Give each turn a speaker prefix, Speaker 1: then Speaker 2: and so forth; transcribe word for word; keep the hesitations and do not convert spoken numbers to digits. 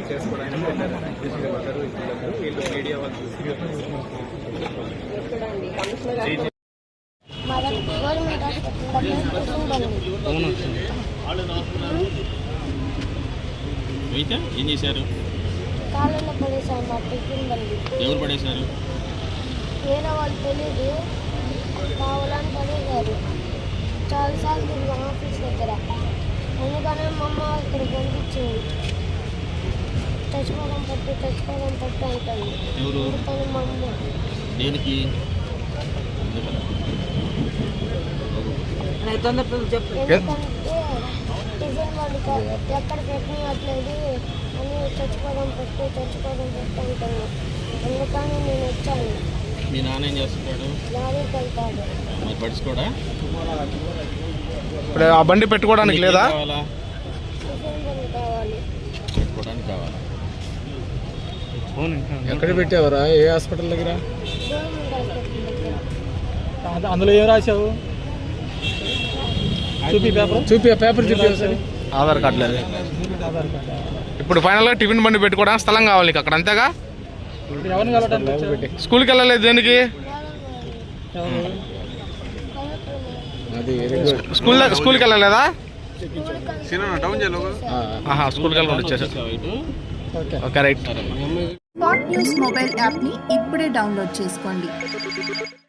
Speaker 1: చేసుకోవడానికి వెళ్ళారు వీళ్ళు మీడియా వాళ్ళు
Speaker 2: అయితే ఏం చేశారు? ఎవరు పడేశారు?
Speaker 3: వేరే వాళ్ళు తెలియదు, కావాలని పడేశారు. చాలాసార్లు తిరిగి ఆఫీస్ దగ్గర, అందుకనే మా అమ్మ ఇక్కడ పంపించింది. చచ్చిపోవడం పట్టు చచ్చిపోవడం పట్టు అంటుంది. అందుకని మా అమ్మ
Speaker 2: దేనికి
Speaker 3: ఎందుకంటే టిఫిన్ వాళ్ళు ఎక్కడ పెట్టినట్లేదు అని చచ్చిపోవడం పట్టు చచ్చిపోవడం పట్టు అంటున్నాను. అందుకని నేను వచ్చాను.
Speaker 2: మీ నాన్న ఏం చేస్తున్నాడు?
Speaker 3: లారీకి వెళ్తాడు.
Speaker 2: మరి పడుచుకోడా?
Speaker 4: ఇప్పుడు ఆ బండి పెట్టుకోవడానికి లేదా?
Speaker 3: టిఫిన్ బండి కావాలి.
Speaker 2: పెట్టుకోవడానికి కావాలా?
Speaker 4: ఎక్కడ పెట్టావరా? ఏ హాస్పిటల్ దగ్గర?
Speaker 3: గవర్నమెంట్ హాస్పిటల్ దగ్గర.
Speaker 5: అందులో ఏం రాశావు? చూపి పేపర్
Speaker 4: చూపి పేపర్ చూపి ఆధార్ కార్డు లేదు. ఇప్పుడు ఫైనల్గా టిఫిన్ బండి పెట్టుకోవడానికి స్థలం కావాలి నీకు అక్కడ, అంతేగా?
Speaker 5: ఎవరిని కలవడానికి?
Speaker 4: స్కూల్కి వెళ్ళలేదు దేనికి? స్కూల్ స్కూల్కి వెళ్ళలేదా? స్కూల్కి వెళ్ళకుండా వచ్చేసారు. Okay right.
Speaker 6: Spot news mobile యాప్ని ఇప్పుడే డౌన్లోడ్ చేసుకోండి.